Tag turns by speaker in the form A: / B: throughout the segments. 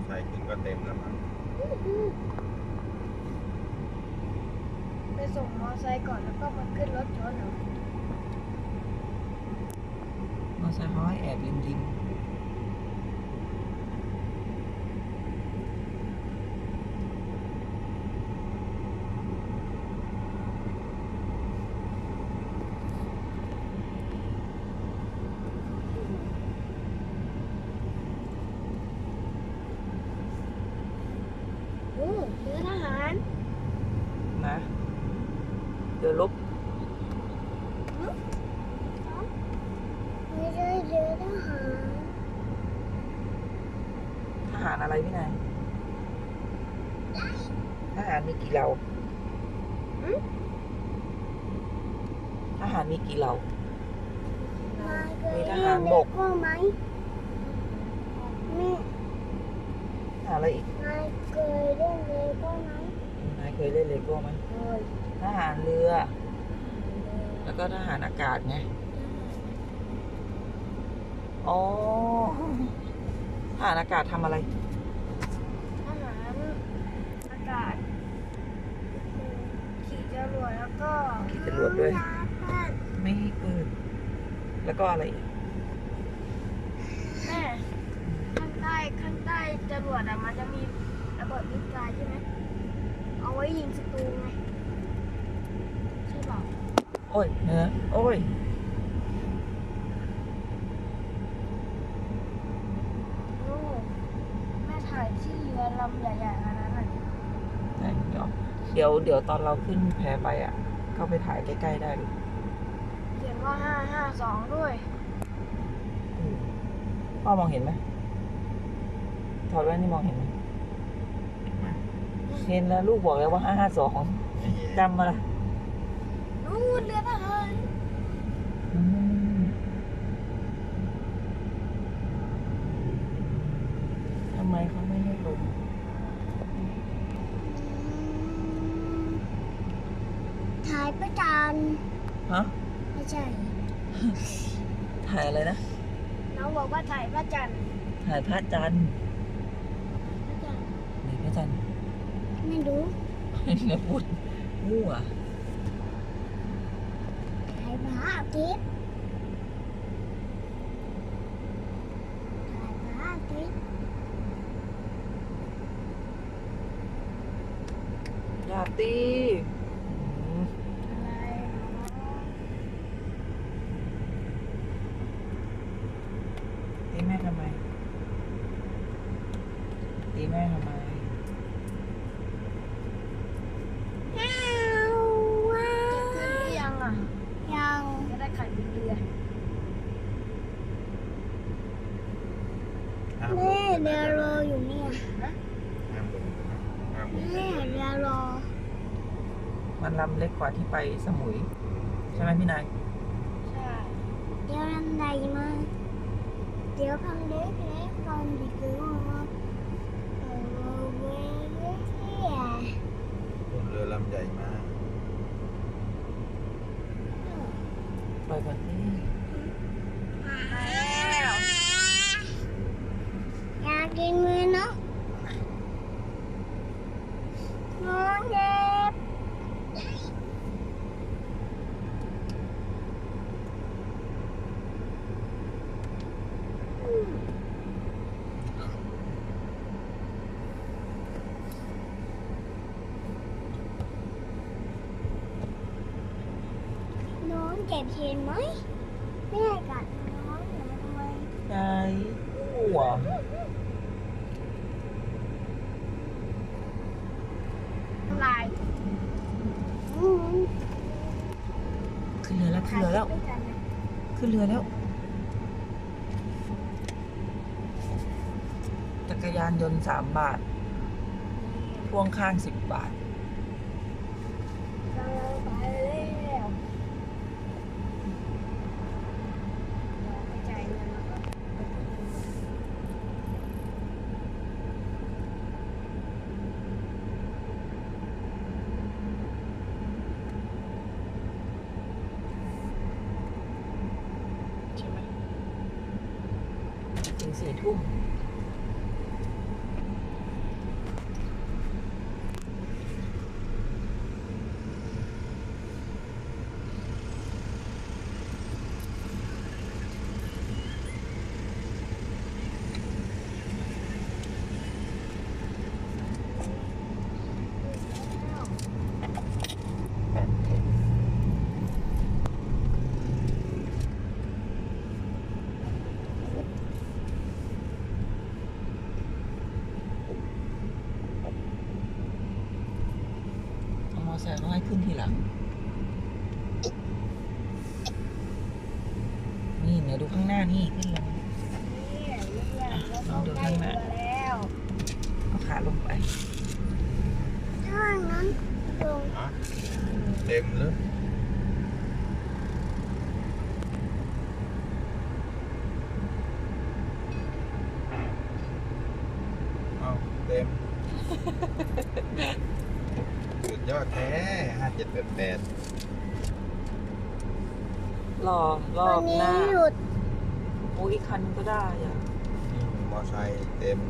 A: ไซค์ขึ้นก็เต็มแล้วมั้ง
B: ไปส่งมอไซค์ก่อนแล้วก็มาขึ้นรถยนต์เหรอ
C: มอเตอร์ไซค์เขาให้แอบริม
B: โอ้เรือทหาร
C: ๆนะเดี๋ยวลบ
B: ไม่ใช่เรือทหาร
C: ทหารอะไรพี่นายทหารมีกี่เหล่าทหารมีกี่เหล่า มีทหารบก
B: ก็ไหมมี
C: ทหารอะไรอีก
B: นายเคยเล่นเลโก้ไหม
C: นายเคยเล่นเลโก้ไหม
B: เคย
C: ทหารเรือ แล้วก็ทหารอากาศไงอ๋อทหารอากาศทำอะไร
B: ทหารอากาศขี่จรวดแล้วก็
C: ขี่จรวดด้วย ไม่ให้เปิดแล้วก็อะไรอีก
B: แม่ข้างใต้จรวดอะมันจะมีระเบิดนิวเคลียร์ใช่ไหมเอาไว้ยิงศัตรูไงใช่เปล่า
C: โอ้ยเนื้อโอ้ย
B: โอ้แม่ถ่ายที่เรือลำใหญ่ๆอันนั้นน่ะ
C: ไหนเดี๋ยวตอนเราขึ้นแพไปอ่ะ เข้าไปถ่ายใกล้ๆได้ลูก
B: เขียนว่า552ด้วย
C: พ่อมองเห็นไหมถอดแว่นนี่มองเห็นไหมเห็นแล้วลูกบอกแล้วว่า552จำมาละ
B: นู่นเรือทหาร
C: อืมทำไมเขาไม่ให้ลง
B: ถ่ายประจัน
C: ฮะ
B: ไม่ใช่
C: ถ่ายอะไรนะ
B: น้องบอกว่าถ่ายพระจันทร์
C: ถ่ายพระจันทร์
B: พระจันทร์
C: ไหนพระจันทร์
B: ไม่รู้
C: เนี่ยพูดมั่ว
B: ถ่ายพระอาทิตย์ถ่ายพระอาทิตย์
C: อย่าตีอืม
B: อะไรเนาะ
C: ตีแม่ทำไมตีแม่ทำไม
B: จะขึ้นหรือยังอ่ะ ยังจะได้ขันเรือ
A: ห้าม
B: แม่เรือรออยู่เนี่ยนะ
A: ห้ามลงห้ามลง
B: แม่เรือรอ
C: มันลำเล็กกว่าที่ไปสมุย ใช่ไหมพี่นาย
B: ใช่เดี๋ยวลำใหญ่มาเดี๋ยวพังเล็กเล็กลงดีกว่าเว้ย
A: บนเรือลำใหญ่มาก
C: ปล่อยก่อนนี่
B: แล้วอยากกินมือเนาะน้องเจ็บ น้องเจ็บเห็นไหมแม่กัดน้องหนูทำไม
C: ยายหัว
B: ลาย
C: ขึ้นเรือแล้วขึ้นเรือแล้ว
B: ด้วยกันนะ
C: ขึ้นเรือแล้ว จักรยานยนต์3 บาท พ่วงข้าง10 บาท
B: กำลังไปแล้วเราไปจ่ายเงินแล้วก็
C: ใช่ไหมถึง4 ทุ่มขึ้นทีหลัง นี่เนี่ยดูข้างหน้านี่ขึ้นลง
B: นี่เราเข้าใกล้เรือแล้ว
C: เอาขาลงไป
B: ถ้างั้นลง
A: ฮะเต็มเลยเอาเต็ม สุดยอดแท้5788
C: รอร
B: ต
C: อ
B: อน
C: บ
B: นี้
C: หน้า
B: หยุด
C: โอ้อีกคันนึงก็ได้อะ
A: นี่มอไซค์เต็ม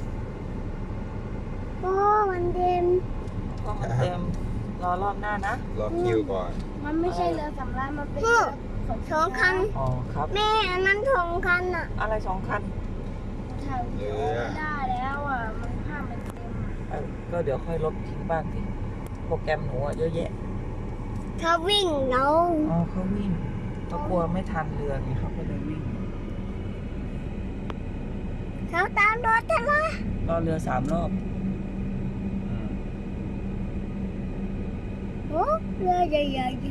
B: โอ้มันเต็ม
C: ก็มันเต็ม รอรอบหน้านะ
A: รอคิวก่อน
B: มันไม่ใช่เรือสำราญมันเป็นเรือขนสองคัน
C: อ๋อครับ
B: แม่อันนั้นสองคันอ่ะ
C: อะไรสองคัน
B: ถ่ายวิดีโอไม่ได้แล้วอ่ะ มันภาพมันเต็มอะ
C: ก็เดี๋ยวค่อยลบทิ้งบ้างสิโปรแกรมหนูอะเยอะแยะ
B: เขาวิ่งเรา
C: อ๋อเขาวิ่งเขากลัวไม่ทันเรือไงเขาก็เลยวิ่ง
B: เขาตามรถฉันละ
C: รอเรือ3 รอบ
A: อืม
B: โอ้เรือใหญ่ๆดิ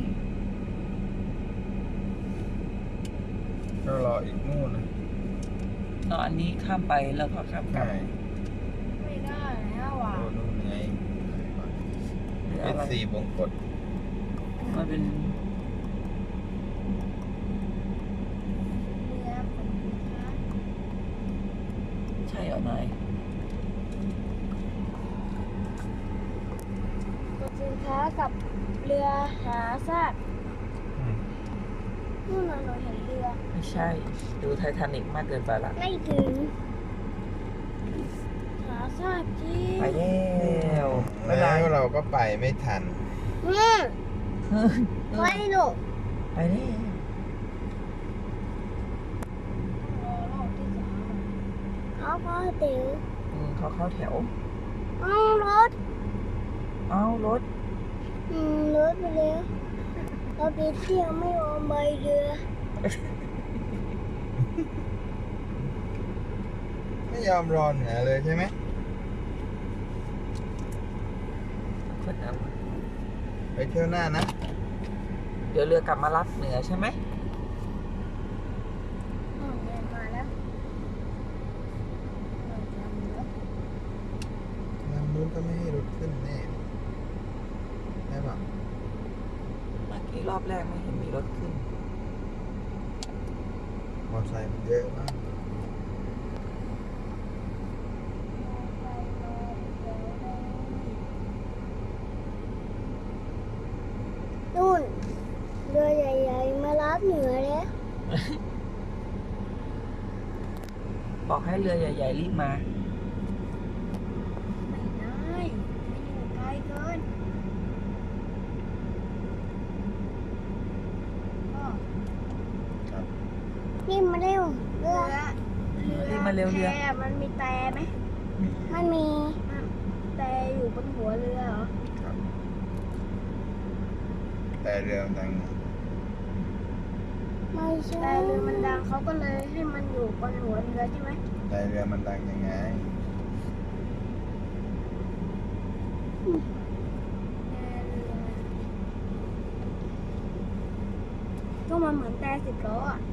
A: ก็รออีกนู่นนะ
C: รออันนี้ข้ามไปแล้วก็ข้ามกลั
A: ใช่
C: บ
B: ไม่ได้แล้วอ่ะ
A: โอ้นู่นไง
C: หรือ
A: เป็
C: อะ
A: น
C: ไร
A: สี่วงกด
C: มันเป็น
B: เรือขนสินค้า
C: ใช่เหรอนาย
B: ขนสินค้ากับเรือหาซาก
A: อืม
B: นู่นน่ะเราเห็นเรือ
C: ไม่ใช่ ดูไททานิกมากเกินไปละ
B: ไม่ถึงหาซากจริง
C: ไปแล้วบ๊าย
A: แล้
C: บายว
A: เราก็ไปไม่ทัน
B: ไปหนู
C: ไปแล้ว
B: รอรอบที่สามเขาก็เตี๋ยว
C: เขาเข้าแถว
B: เอารถ
C: เอารถ
B: รถไปแล้วเราไปเที่ยวไม่ยอมไปเรือ
A: ไม่ยอมรอเหนือเลยใช่ไหม
C: คนนั้น
A: ไปเที่ยวหน้านะ
C: เดี๋ยวเรือกลับมารับเหนือใช่ไหม
B: เดินมาแล้ว
A: ลำนู้นก็ไม่ให้รถขึ้นแน่ใช่ปะ
C: เมื่อกี้รอบแรกไม่เห็นมีรถขึ้น
A: มอไซค์มันเยอะมาก
B: นู่นเรือใหญ่ๆมารับเหนือแล้ว
C: บอกให้เรือใหญ่ๆรีบมา
B: ไม่ได้ไม่อยู่ไกลเกินก็
A: ครับ
B: นี่มาเร็วเรือ
C: รีบมาเร็วเรือ
B: แพมันมีแต่ไหมมันมีแต่อยู่บนหัวเรือเหรอ
A: ครับแต่เรือมันดัง
B: ไม่ใช่แต่เรือมันดังเขาก็เลยให้มันอยู่บนหัวเรือใช่ไหม
A: แต่เรือมันดังยังไง
B: ก็มันเหมือนแต่10 ล้ออ่ะ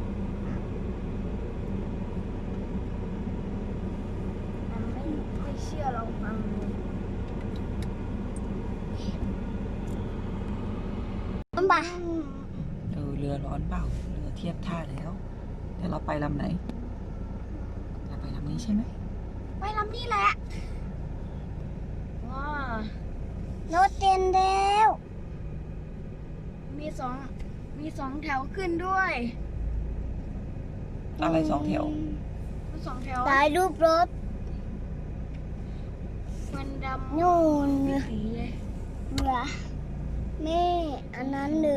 B: มันไม่เชื่อลองฟังดูบ้า
C: เรือร้อนเปล่า เรือเทียบท่าแล้วแต่เราไปลำไหน เราไปลำนี้ใช่ไหม
B: ไปลำนี้แหละว้ารถเต็มแล้ว มีสองแถวขึ้นด้วย
C: อะไร2 แถว
B: สองแถวถ่ายรูปรถมันดำนู่นสีเลยเรือแม่อันนั้นเรือ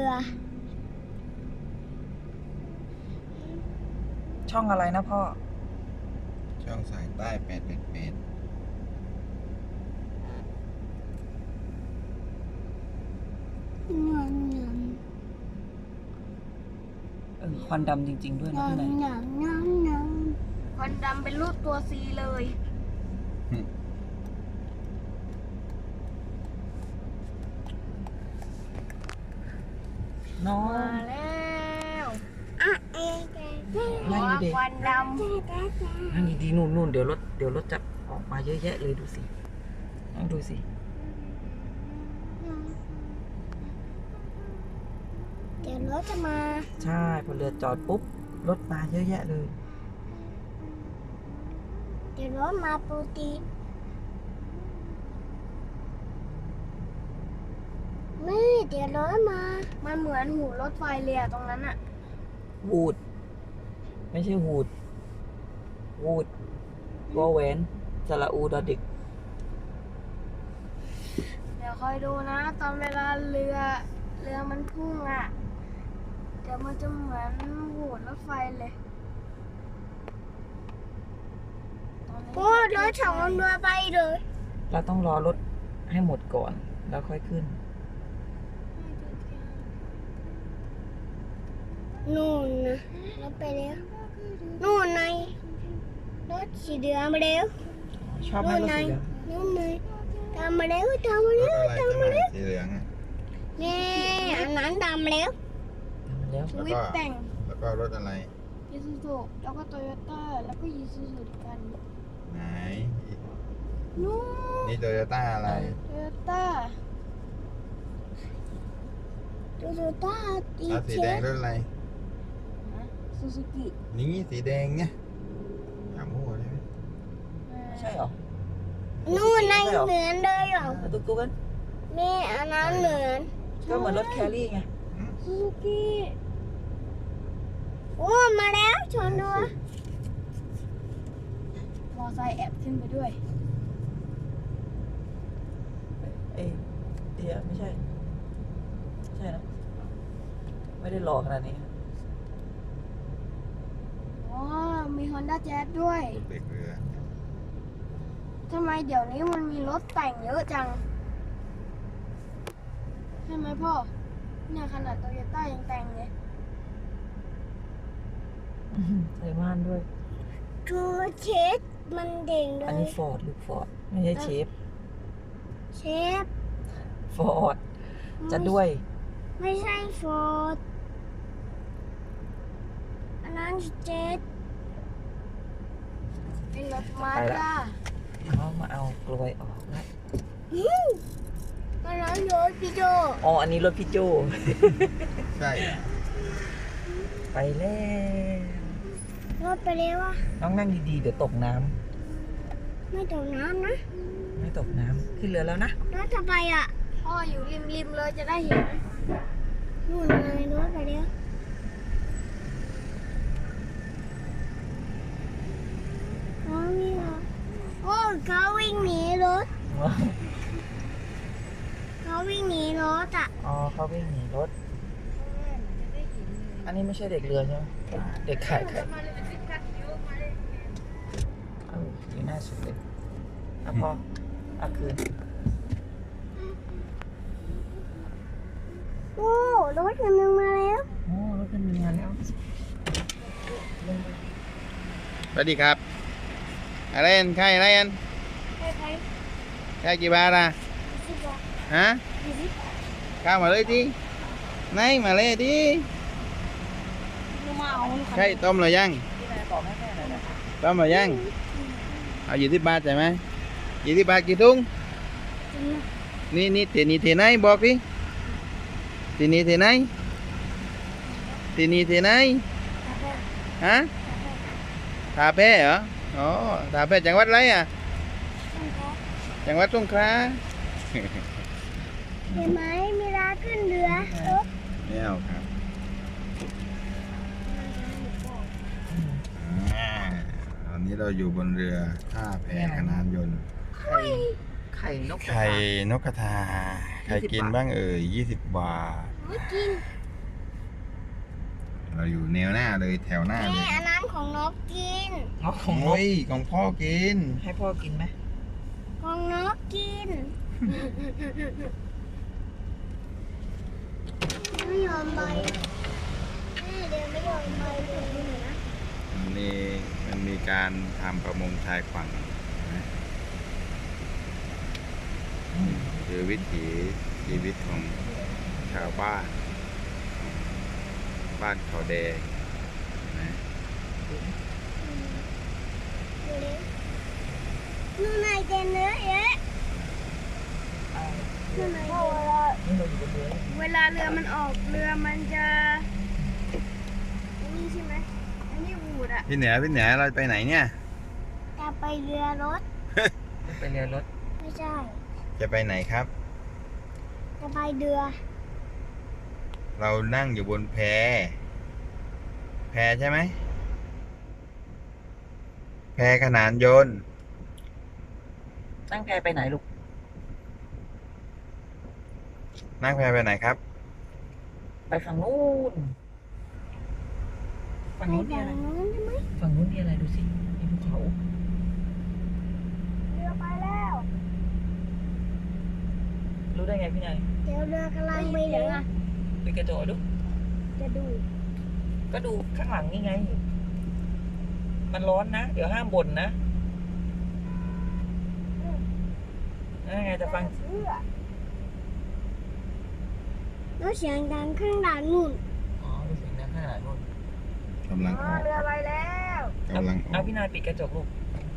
C: ช่องอะไรนะพ่อ
A: ช่องสายใต้888
C: ควันดำจริง ๆ ด้วยนะข้างใน
B: ควันดำเป็นรูปตัวซีเลย
A: อ
C: น้อง
B: มาแล้วหัว
C: นั่งดี
B: ควันด
C: ๆนั่งดีๆนู่นเดี๋ยวรถจะออกมาเยอะแยะเลยดูสินั่งดูสิ
B: ำเดี๋ยวรถจะมา
C: ใช่พอเรือจอดปุ๊บรถมาเยอะแยะเลย
B: เดี๋ยวรถมาปกตินี่เดี๋ยวรถมา มันเหมือนหูรถไฟเลยอะตรงนั้นอะ
C: วูดไม่ใช่วูดวอแหวนสระอูดอเด็ก
B: เดี๋ยวคอยดูนะ ตอนเวลาเรือมันพุ่งอะเดี๋ยวมันจะเหมือนหูรถไฟเลยโอ้รถสองเรือไปเลย
C: เราต้องรอรถให้หมดก่อนแล้วค่อยขึ้น
B: นู่นนะรถไปแล้วนู่นไงรถสีเหลืองมาแล้ว
C: ชอบไหมรถสีเหลือง
B: นู่นไงตามมาแล้วตามมาร
A: ถ
B: แล้ว
A: อะไร
B: ตาม
A: ใช่ไหม
B: มาแล้ว
A: สีเหลืองอ่ะ
B: นี่อันนั้นตามมาแล้ว
C: แล้ว
A: แล้วก็
B: วิปแต่ง
A: แล้วก็รถอะไร
B: ยูซูซูแล้วก็โตโยต้าแล้วก็ยูซูซูกัน
A: ไหน
B: นู่น
A: นี่โตโยต้าอะไร
B: โตโยต้าโตโยต้าตี
A: แล้วสี
B: เช
A: แดง
B: ฟ
A: รถอะไร
B: ซูซูกิ
A: นี่สีแดงเนี่ยอย่ามั่วได้ไหม
C: ใช่เหรอ
B: นู่นไงเหมือนเลยเหรอ
C: ตุ๊กกัน
B: นี่อันนั้นเหมือน
C: ก็เหมือนรถแครี่ไง
B: ซูซูกิโอ้มาแล้วชนด้วยมอไซค์แอบขึ้นไปด้วย
C: เอ้ยเดียไม่ใช่ ใช่นะไม่ได้หล่อขนาดนี้
B: อ๋อ มี Honda Jazz ด้วย
A: รถเบรกเรือ
B: ทำไมเดี๋ยวนี้มันมีรถแต่งเยอะจัง ใช่ไหมพ่อ เนี่ยขนาดโตโยต้ายังแต่งเลย
C: ใส่ม่านด้วย
B: ตัวเชฟมันเด่งเล
C: อัน
B: ย
C: นี้ฟอร์ดลูกฟอร์ดไม่ใช่เชฟ
B: เชฟ
C: ฟอร์ดจะด้วย
B: ไม่ใช่ฟอร์ดอันนั้นเจสเป็นรถมา
C: ไปละ
B: ด้า
C: เขามาเอากลวยออกแล้ว
B: อันนั้นรถพี่โจ
C: อ๋ออันนี้รถพี่โจ
A: ใช่
C: ไปแล้ว
B: รถไปแล้วอะ
C: น้องนั่งดีๆเดี๋ยวตกน้ำ
B: ไม่ตกน้ำนะ
C: ไม่ตกน้ำขึ้นเรือแล้วนะ
B: รถจะไปอะพ่ออยู่ริมเลยจะได้เห็นนู่นไงรถไปแล้วเขาวิ่งเหรอโอ้เขาวิ่งหนีรถเขาวิ่งหนีรถอ่ะ
C: อ๋อเขาวิ่งหนีรถ อันนี้ไม่ใช่เด็กเรือใช่ไหมเด็กขายไข่อยู่หน้าสุดเลยอ่ะพออ่ะคืน
B: โอ้รถคันหนึงมาแล้ว
C: โอ้รถเป็นงานแล้ว
A: สวัสดีครับอะไรอันใครอะไรอัน
B: ใคร
A: ใครกี่บาทอ่ะ
B: ๆสิบบาท
A: ฮะ
B: 20
A: เข้ามาเลยดิไหนมาเลยดิ
B: หนูมาเอา
A: ใช่ต้มหรือยัง
C: ที่ไหนบอกให้แม่หน่อยนะ
A: ต้มหรือยังเอา20 บาทใช่ไหม20 บาทกี่ถุงนี่เทนี่เทไหนบอกดิเทนี่เทไหนเทนี่เทไหนฮะทาแพ้เหรออ๋อทาแพ้จังหวัดอะไรอ่ะจังหวัดสงขลา
B: เห็นไหมมีร้านขึ้นเรือรถ
A: ไม่เอาครับตอนนี้เราอยู่บนเรือท่าแพขนานยนต์
C: ไข่นกกระ
A: ไข่
C: ทาน
A: กกระทาใครกินบ้างเอ่ย20 บาท
B: ไม่กิน
A: เราอยู่แนวหน้าเลยแถวหน้าเล
B: นี่
A: ย
B: อันนั้นของนกกิน
C: เอาของนก
A: โอ้ยของพ่อกิน
C: ให้พ่อกินไหม
B: ของนกกินไม่ยอมไปแม่เดินไม่ยอมไปถึงนี่นะ
A: มันมีการทำประมงชายฝั่งนะคือวิถีชีวิตของชาวบ้านบ้านเขาแดงนะ
B: นู่นนายเจนเนื้อเอ๊ะนู่นนายเจน
C: นี่เราอยู่บนเรือ
B: เวลาเรือมันออกเรือมันจะอันนี่ใช่ไหมอันนี้บูดอ่ะ
A: พี่เหนือเราไปไหนเนี่ย
B: จะไปเรือรถ
C: ไปเรือรถ
B: ไม่ใช่
A: จะไปไหนครับ
B: จะไปเรือ
A: เรานั่งอยู่บนแพใช่ไหมแพขนานยนต์
C: นั่งแพไปไหนลูก
A: นั่งแพไปไหนครับ
C: ไปฝั่งนู้นฝั่ง
B: ไป
C: นู้นมี
B: ฝั่ง
C: อะไร
B: นู้นใช่ไหม
C: ฝั่งนู้นมีอะไรดูสิมีภูเขา
B: เรือไปแล้ว
C: รู้ได้ไงพี่นาย
B: เดี๋ยวเรือกำลังไปเหลืองอ่ะ
C: ไปกระโจดู
B: จะดู
C: ก็ดูข้างหลังนี่ไง มันร้อนนะ เดี๋ยวห้ามบ่นนะนั่นไงจะฟัง
B: เรือแล้วเสียงดังข้างหลังนู่น
C: อ๋อดูเสียงดังขนาดนู้น
A: กำลังออก
B: เรือไปแล้ว
A: กำลังออ
C: เอา
A: ก
C: พี่นายปิดกระจกลูก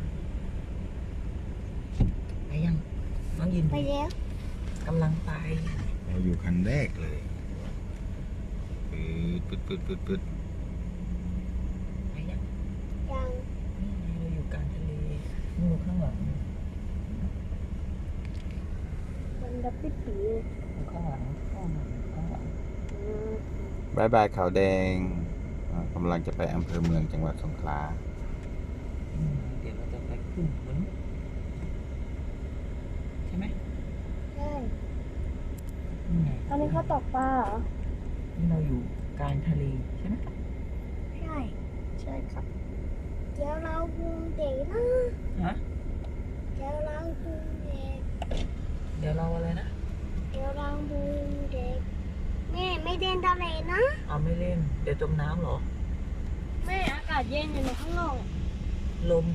C: ไปยังน้องยิน
B: ไปแล้ว
C: กำลังไป
A: เราอยู่คันแรกเลยปึ๊ด
C: ไปยัง
B: ยัง
C: นี่ไงเราอยู่กลางทะเลนู่นข้างหลัง
B: มันดับปิดปี
C: อยู่ข้างหลังข้างหลังข้างหลัง
A: บายบายเขาแดงกำลังจะไปอำเภอเมืองจังหวัดสงขลา
C: เดี๋ยวเราจะไปขึ้นบนใช่ไหม
B: ใช่
C: นี่ไง
B: ตอนนี้เขาตกปลาเหรอ
C: นี่เราอยู่กลางทะเลใช่ไหม
B: ใช่
C: ใช่ครับ
B: เดี๋ยวเราพุงเด็กนะ
C: ฮะ
B: เดี๋ยวเราพุงเด็ก
C: เดี๋ยวเราอะไรนะ
B: เดี๋ยวเราพุงเด็กแม่ไม่เดินทะเลนะ
C: เอาไม่เล่นเดี๋ยวจมน้ำเหรอ
B: แม่อากาศเย็นอยู่ในข้างนอก
C: ลม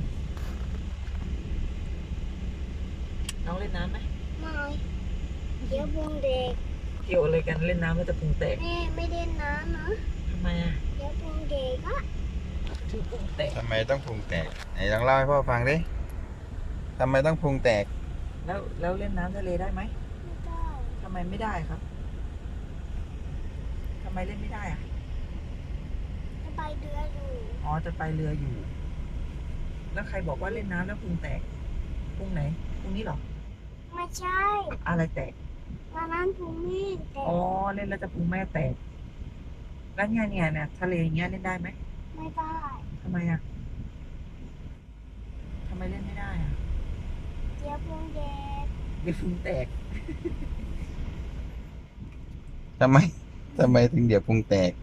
C: น้องเล่นน้ำไหม
B: ไม่เดี๋ยวพุงเด็ก
C: เกี่ยวอะไรกันเล่นน้ำแล้วจะพุงแตก
B: แม่ไม่เล่นน้ำนะ
C: ทำไมอ่ะ
B: เดี๋ยวพุงเด็กอะ
C: ถือพุงแตก
A: ทำไมต้องพุงแตกไหนลองเล่าให้พ่อฟังดิทำไมต้องพุงแตก
C: แล้วเล่นน้ำทะเลได้ไหม
B: ไม่ได้
C: ทำไมไม่ได้ครับทำไมเล่นไม่ได้อ่ะ
B: จะไปเรืออยู่
C: อ๋อจะไปเรืออยู่ แล้วใครบอกว่าเล่นน้ำแล้วพุงแตกพุงไหนพุงนี้เหรอ
B: ไม่ใช่
C: อะไรแตก
B: ตอนนั้นพุงนี่แต่
C: อ๋อเล่นแล้วจะพุงแม่แตกแล้วเนี่ยทะเลอย่างเงี้ยเล่นได้ไหม
B: ไม่ได้
C: ทำไมอ่ะทำไมเล่นไม่ได้อ่ะ
B: เดี๋ยวพุงเด็ก
C: เดี๋ยวพุงแตก
A: ทำไมถึงเดี๋ยวพุงแตก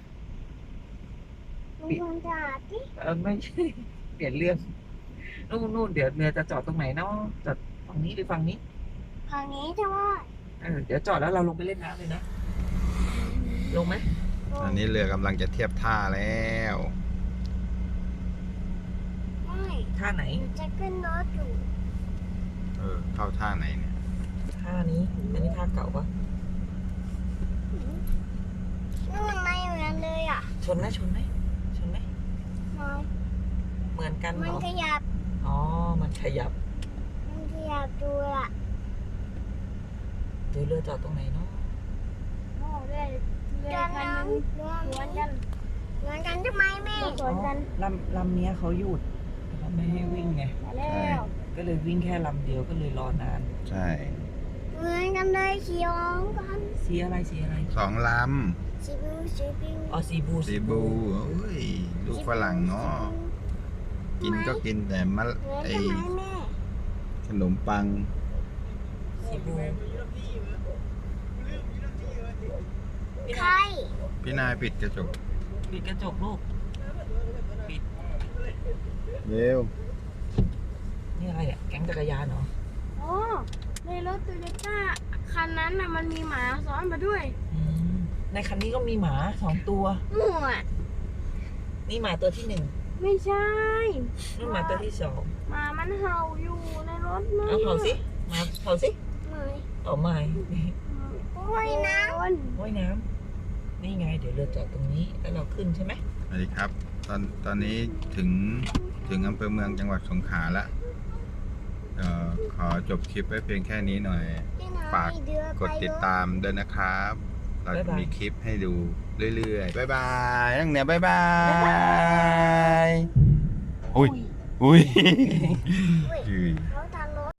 B: ลุงพงจ๋าที่
C: ไม่ใช่ เปลี่ยนเรื่องนู่นเดี๋ยวเรือจะจอดตรงไหนเนาะจอดฝั่งนี้หรือฝั่งนี้
B: ทางนี้ใช่ไหม
C: เดี๋ยวจอดแล้วเราลงไปเล่นน้ำเลยนะลงไหม
A: ตอนนี้เรือกำลังจะเทียบท่าแล้ว
B: ไม่
C: ท่าไหน
B: หนูจะขึ้นรถอยู่
A: เข้าท่าไหนเนี่ย
C: ท่านี้อันนี้ท่าเก่าปะ
B: นู่นไม่เหมือนเลยอ่ะ
C: ชนไหมไม่
B: ไม่
C: เหมือนกัน
B: มั
C: เหร
B: น
C: อ
B: ขยับ
C: อ๋อมันขยับ
B: มันขยับดูอ่ะ
C: เดี๋ยวเรือจอดตรงไหนเนาะ
B: โอ้เรือคันนึงสวนกันสวนกันทำไมแม่สวนกัน
C: ลำเนี้ยเขาหยุดเขาไม่ให้วิ่งไง
B: มาแล้ว
C: ก็เลยวิ่งแค่ลำเดียวก็เลยรอนาน
A: ใช่
B: เหมือนกันเลยเขียวกัน
C: สีอะไร
A: สองล
B: สีบิวสีบิว
C: อ๋อสีบู
A: ำสีบูโอ้ยลูกฝรั่งเนาะกินก็กินแต่มะ
B: เหมือน
A: ไอ
B: กันไหมแม่
A: ขนมปัง
C: สีบู
B: ใคร
A: พี่นายปิดกระจก
C: ปิดกระจกลูกปิด
A: เร็ว
C: นี่อะไรอ่ะแก๊งจักรยานเหรอ
B: โอ้ในรถโตโยต้าคันนั้นน่ะมันมีหมาซ้อนมาด้วย
C: อืมในคันนี้ก็มีหมา2 ตัว
B: มั่ว
C: นี่หมาตัวที่ 1
B: ไม่ใช่
C: นี่หมาตัวที่
B: หมามันเห่าอยู่ในรถ
C: 2เอาเผาสิหมาเผาสิ
B: ไม่
C: เอาไม่
B: โอ้ยนะ
C: ว่ายน้ำนี่ไง เดี๋ยวเรือจอดตรงนี้แล้วเราขึ้นใช่ไหม
A: สวัสดีครับ ตอนนี้ถึงอำเภอเมืองจังหวัดสงขลาละขอจบคลิปไว้เพียงแค่นี้หน่อย ฝากกดติดตามด้วยนะครับ เราจะมีคลิปให้ดูเรื่อยๆ บ๊ายบายนั่งเนี่ยบ๊ายบายอุ้ย
B: เขาทำ